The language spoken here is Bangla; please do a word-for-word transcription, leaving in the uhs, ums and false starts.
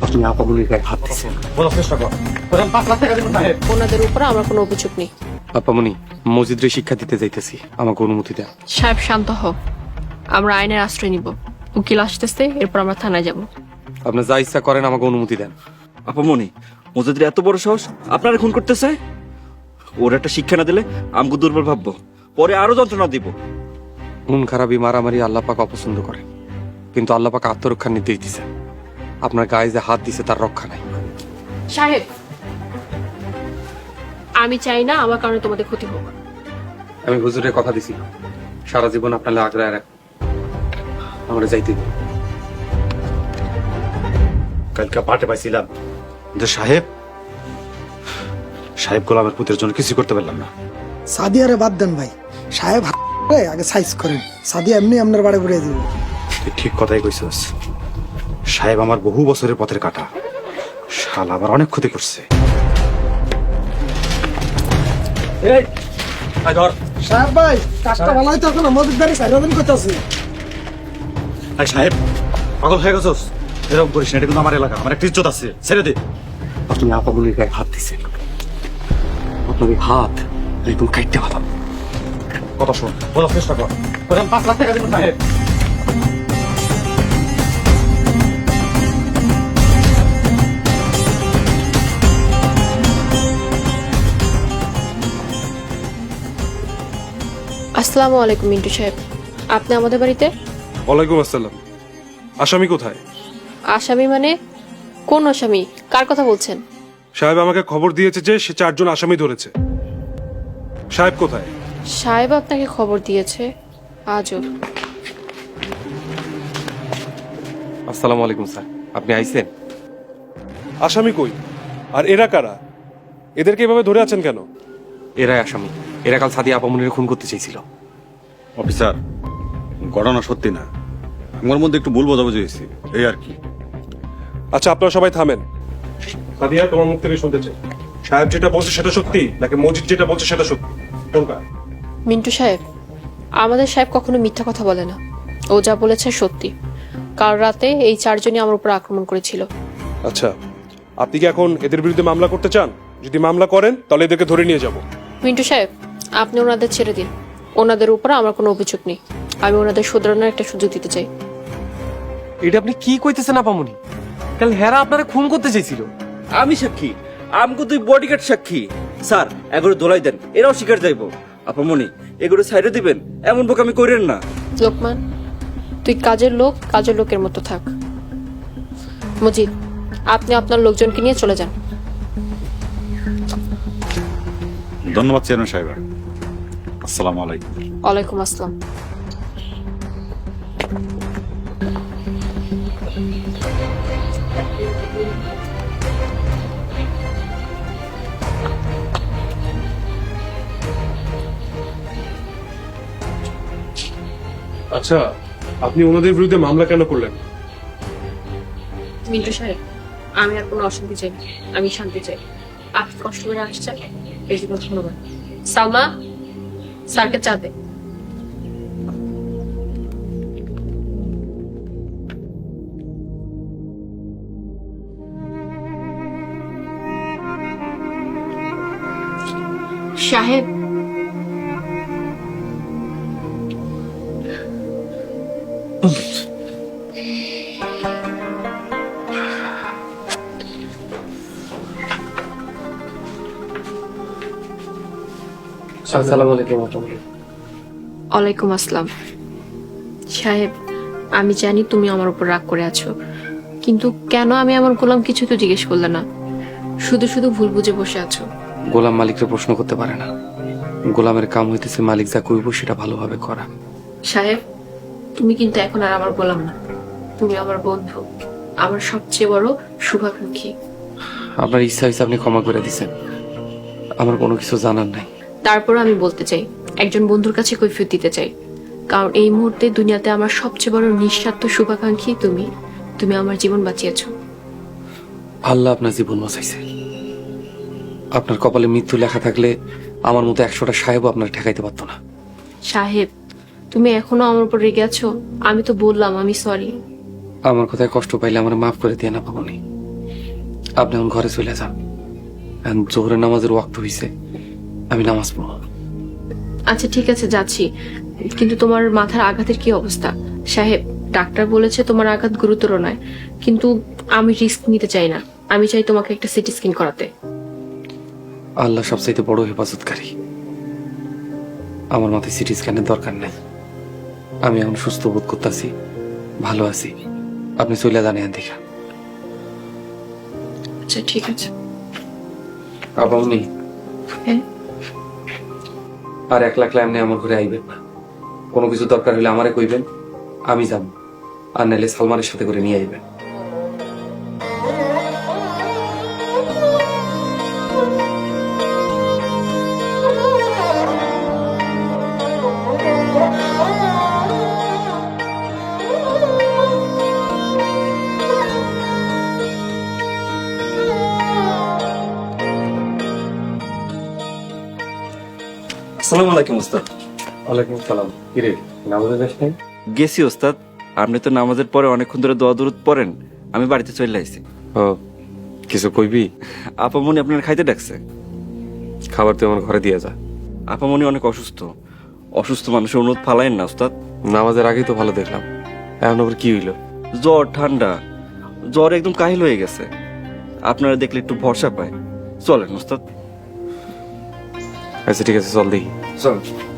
আপনি আপামনির গায়ে হাত দিচ্ছেন। বলার চেষ্টা কর। পাঁচ লাখ টাকা দেবেন সাহেব। ওনাদের উপর আমার কোনো অভিযোগ নেই। আপামনি, মসজিদে শিক্ষা দিতে যাইতেছি, আমাকে অনুমতি দেন। সাহেব শান্ত হও, আমরা আইনের আশ্রয় নিব। উকিল আসতেছে, এরপর আমরা থানায় যাব। আপনি যা ইচ্ছা করেন, আমাকে অনুমতি দেন। আপামনি, মসজিদের এত বড় সাহস আপনারা খুন করতে চায়? ওর একটা শিক্ষা না দিলে আমগো দুর্বল ভাববো, পরে আরো যন্ত্রণা দিব। খুন খারাপি মারামারি আল্লাহ পাক অপছন্দ করেন, কিন্তু আল্লাহ পাক আত্মরক্ষার নির্দেশ দিছে। আপনার গায়ে যে হাত দিছে তার রক্ষা নাই। সাহেব, আমি চাই না আমার কারণে তোমাদের ক্ষতি হোক। আমি হুজুরের কথা দিছি, সারা জীবন আপনার আগ্রায় রাখ, আমরা যাইতে দিন। কালকে পাটে পাইছিলাম যে সাহেব সাহেব গোলামের পুতের জন্য কিছু করতে পারলাম না। সাদিয়ারে বাদ দেন ভাই, সাহেব আগে সাইজ করেন, সাদিয়া এমনি আপনার বাড়ি ঘুরে দিবে। তুই ঠিক কথাই কইছস। সাহেব আমার বহু বছরের পথের কাটা, শাল আমার অনেক ক্ষতি করছে। এই আয় ধর। সাহেব ভাই, কাজটা ভালো হয়তো এখন আমাদের দ্বারা সাইরা দিন করতেছি। আরে সাহেব, পাগল হয়ে গেছস? এরকম করিস না, এটা কিন্তু আমার এলাকা, আমার একটা ইজ্জত আছে, ছেড়ে দে। আপনি আপামনির গায়ে হাত দিচ্ছেন, আপনার এই হাত একদম কাটতে পারলাম। কথা শোন, বলার চেষ্টা কর। পাঁচ লাখ টাকা দেবেন সাহেব। আসসালামু আলাইকুম মিন্টু সাহেব, আপনি আমাদের বাড়িতে? ওয়ালাইকুম আসসালাম। আসামি কোথায়? আসামি মানে? কোন আসামি? কার কথা বলছেন? সাহেব আমাকে খবর দিয়েছে যে সে চারজন আসামি ধরেছে। সাহেব কোথায়? সাহেব আপনাকে খবর দিয়েছে? আজও। আসসালামু আলাইকুম স্যার, আপনি আইছেন? আসামি কই? আর এরা কারা? এদেরকে এভাবে ধরে আছেন কেন? এরাই আসামি, এরা কাল সাদিয়া আপামনির খুন করতে চাইছিল। অফিসার, ঘটনা সত্যি না, আমার মধ্যে একটু ভুল বোঝাবুঝি হয়েছে, এই আর কি। আচ্ছা, আপনারা সবাই থামেন। সাদিয়া, তোমার মুখ থেকে শুনতে চাই, সাহেব যেটা বলছে সেটা সত্যি, নাকি মজিদ যেটা বলছে সেটা সত্যি? কোনটা? মিন্টু সাহেব, আমাদের সাহেব কখনো মিথ্যা কথা বলে না। ও যা বলেছে সত্যি। কাল রাতে এই চারজনই আমার উপর আক্রমণ করেছিল। আচ্ছা, আপনি কি এখন এদের বিরুদ্ধে মামলা করতে চান? যদি মামলা করেন তাহলে এদেরকে ধরে নিয়ে যাব। মিন্টু সাহেব, আপনি ওনাদের ছেড়ে দিন। ওনাদের উপর আমার কোনো অভিযোগ নেই। আমি ওনাদের শুধরানোর একটা সুযোগ দিতে চাই। এটা আপনি কি কইতেছেন আপামনি? কাল হেরা আপনারা খুন করতে চাইছিল। আমি সাক্ষী, আমগো দুই বডিগার্ড সাক্ষী। স্যার, এগুলো দোলাই দেন, এরাও শিকার যাইব। আপামনি, এগুলো সাইডে দিবেন, এমন বোকামি করেন না। লোকমান, তুই কাজের লোক কাজের লোকের মতো থাক। মজিদ, আপনি আপনার লোকজনকে নিয়ে চলে যান। ধন্যবাদ চেয়ারম্যান সাহেব। আসসালামু আলাইকুম। ওয়ালাইকুম আসসালাম। আচ্ছা, আপনি ওনাদের বিরুদ্ধে মামলা কেন করলেন? মিন্টু সাহেব, আমি আর কোনো অশান্তি চাই না, আমি শান্তি চাই। আপনি কষ্ট করে আসছেন, এই জন্য ধন্যবাদ। সালমা, স্যারকে চা দে। সাহেব, আসসালামু আলাইকুম। ওয়ালাইকুম আসসালাম। সাহেব, আমি জানি তুমি আমার উপর রাগ করে আছো, কিন্তু কেন আমি আমার গোলাম কিছু তো জিজ্ঞেস করলে না, শুধু শুধু ভুল বুঝে বসে আছো। গোলাম মালিককে প্রশ্ন করতে পারে না। গোলামের কাম হইতেছে মালিক যা কইব সেটা ভালোভাবে করা। সাহেব, তুমি কিন্তু এখন আর আমার গোলাম না, তুমি আমার বন্ধু, আমার সবচেয়ে বড় শুভাকাঙ্ক্ষী। আপনার ইচ্ছা হয়েছে আপনি ক্ষমা করে দিছেন, আমার কোনো কিছু জানার নাই। তারপর আমি বলতে চাই, একজন বন্ধুর কাছে কৈফিয়ত দিতে চাই, কারণ এই মুহূর্তে দুনিয়াতে আমার সবচেয়ে বড় নিঃস্বার্থ শুভাকাঙ্ক্ষী তুমি। তুমি আমার জীবন বাঁচিয়েছো। আল্লাহ আপনার জীবন বাঁচাইছে। আপনার কপালে মৃত্যু লেখা থাকলে আমার মতো একশোটা সাহেবও আপনার ঠেকাইতে পারতো না। সাহেব, তুমি এখনো আমার উপর রেগে আছো? আমি তো বললাম আমি সরি। আমার কথায় কষ্ট পাইলে আমার মাফ করে দিয়ে না পাবনি। আপনি এখন ঘরে চলে যান। এখন জোহরের নামাজের ওয়াক্ত হইছে, আমি নামাজ পড়ব। আচ্ছা ঠিক আছে, যাচ্ছি। কিন্তু তোমার মাথার আঘাতের কি অবস্থা? সাহেব, ডাক্তার বলেছে তোমার আঘাত গুরুতর নয়, কিন্তু আমি রিস্ক নিতে চাই না। আমি চাই তোমাকে একটা সিটি স্ক্যান করাতে। আল্লাহ সবচাইতে বড় হেফাজতকারী। আমার মাথায় সিটি স্ক্যানের দরকার নেই। আমি এখন সুস্থ বোধ করতেছি, ভালো আছি। আপনি চলে যান এখান থেকে। আচ্ছা ঠিক আছে। আপনি হ্যাঁ, আর এক লাখ এমনি আমার ঘরে আইবেন না। কোনো কিছু দরকার হলে আমারে কইবেন, আমি যাব। আর নাইলে সালমানের সাথে করে নিয়ে আইবেন। আসসালামু আলাইকুম ওস্তাদ। ওয়ালাইকুম সালাম। কিরে, নামাজে যাস নাই? গেছি ওস্তাদ। আপনি তো নামাজের পরে অনেকক্ষণ ধরে দোয়া দরুদ পড়েন, আমি বাড়িতে চলে আইছি। ও কিছু কইবি? আপামনি আপনার খাইতে ডাকছে। খাবার তুই আমার ঘরে দিয়ে যা। আপামনি অনেক অসুস্থ। অসুস্থ মানুষের অনুরোধ ফালাইন না ওস্তাদ। নামাজের আগেই তো ভালো দেখলাম, এখন আবার কি হইলো? জ্বর, ঠান্ডা, জ্বর একদম কাহিল হয়ে গেছে। আপনারা দেখলে একটু ভরসা পায়। চলেন ওস্তাদ, আচ্ছা ঠিক আছে, চল দেখি। চল।